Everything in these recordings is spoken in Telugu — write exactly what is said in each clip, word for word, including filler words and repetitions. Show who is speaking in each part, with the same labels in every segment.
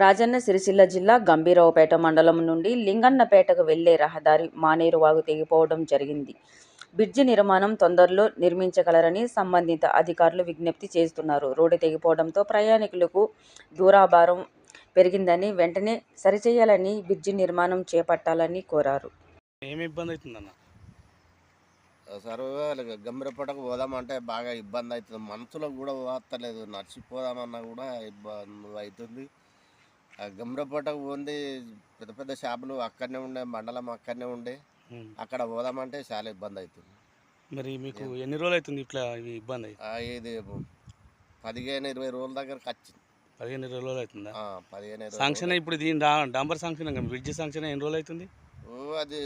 Speaker 1: రాజన్న సిరిసిల్ల జిల్లా గంభీరావుపేట మండలం నుండి లింగన్నపేటకు వెళ్లే రహదారి మానేరు వాగు తెగిపోవడం జరిగింది. బ్రిడ్జి నిర్మాణం తొందరలో నిర్మించగలరని సంబంధిత అధికారులు విజ్ఞప్తి చేస్తున్నారు. రోడ్డు తెగిపోవడంతో ప్రయాణికులకు దూరాభారం పెరిగిందని, వెంటనే సరిచేయాలని, బ్రిడ్జి నిర్మాణం చేపట్టాలని కోరారు.
Speaker 2: ఏమి ఇబ్బంది అవుతుందన్న?
Speaker 3: సార్ గంభీరపేటకు పోదామంటే బాగా ఇబ్బంది అవుతుంది. మనసులో కూడా పోతలేదు, నడిచిపోదామన్నా కూడా ఇబ్బంది అవుతుంది. గంభీరపేటకు పోంది పెద్ద పెద్ద షాపులు అక్కడనే ఉండే, మండలం అక్కడనే ఉండే, అక్కడ పోదామంటే చాలా ఇబ్బంది అవుతుంది.
Speaker 2: మరి మీకు ఎన్ని రోజులు అవుతుంది ఇట్లా ఇబ్బంది?
Speaker 3: ఇది పదిహేను ఇరవై రోజుల దగ్గరకు వచ్చింది.
Speaker 2: పదిహేను ఇరవై రోజులు అవుతుందా?
Speaker 3: పదిహేను
Speaker 2: శాంక్షన్ ఇప్పుడు దీని డాంబర్ శాంక్షన్, బ్రిడ్జ్ శాంక్షన్ ఎన్ని రోజులు అవుతుంది?
Speaker 3: అది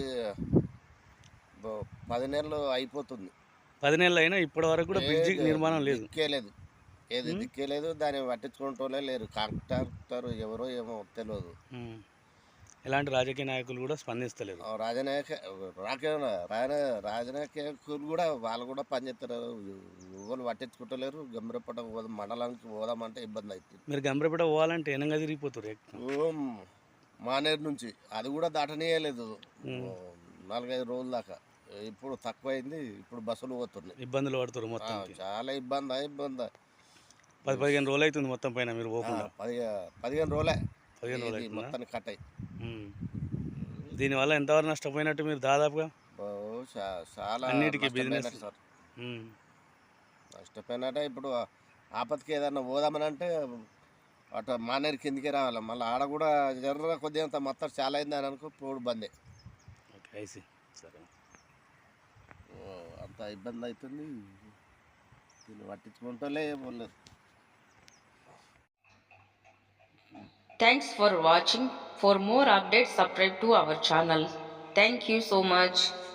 Speaker 3: పది నెలలు అయిపోతుంది.
Speaker 2: పది నెలలు అయినా ఇప్పటి వరకు కూడా బ్రిడ్జ్ నిర్మాణం లేదు.
Speaker 3: దిక్కేలేదు, ఏది దిక్కేలేదు. దాన్ని పట్టించుకుంటూనే లేరు. కాంట్రాక్టర్ ఎవరో ఏమో తెలియదు.
Speaker 2: ఎలాంటి రాజకీయ నాయకులు కూడా స్పందిస్తలేరు.
Speaker 3: రాజనాయక రాజనాయకులు కూడా వాళ్ళు కూడా పనిచేస్తారు, ఎవరు పట్టించుకుంటలేరు. గంభీరపేట మండలానికి పోదామంటే ఇబ్బంది అవుతుంది.
Speaker 2: మీరు గంభీరపేట పోవాలంటే ఎనంగా తిరిగిపోతారు.
Speaker 3: మానేరు నుంచి అది కూడా దాటనీయలేదు నాలుగైదు రోజుల దాకా. ఇప్పుడు తక్కువైంది, ఇప్పుడు బస్సులు పోతున్నాయి.
Speaker 2: ఇబ్బందులు పడుతారు మొత్తం,
Speaker 3: చాలా ఇబ్బంది ఇబ్బంది
Speaker 2: పది పదిహేను రోజులు అవుతుంది మొత్తం పైన మీరు పోకుండా.
Speaker 3: పది పదిహేను రోజులే
Speaker 2: పదిహేను రోజులు
Speaker 3: మొత్తానికి కట్ అయ్యి.
Speaker 2: దీనివల్ల ఎంతవరకు నష్టపోయినట్టు మీరు దాదాపుగా?
Speaker 3: చాలా
Speaker 2: అన్నిటికీ బిజినెస్
Speaker 3: సార్ నష్టపోయినట్టే. ఇప్పుడు ఆపత్తికి ఏదన్నా పోదామని అంటే అటు మానేరు కిందికి రావాలి, మళ్ళీ ఆడ కూడా జర్ర కొద్దిగా అంత మొత్తం చాలా అయింది అని అనుకో పోడు బందే.
Speaker 2: ఓకే, సరే,
Speaker 3: అంత ఇబ్బంది అవుతుంది. దీన్ని పట్టించుకుంటలే పోలేదు.
Speaker 1: Thanks for watching. For more updates, subscribe to our channel. Thank you so much.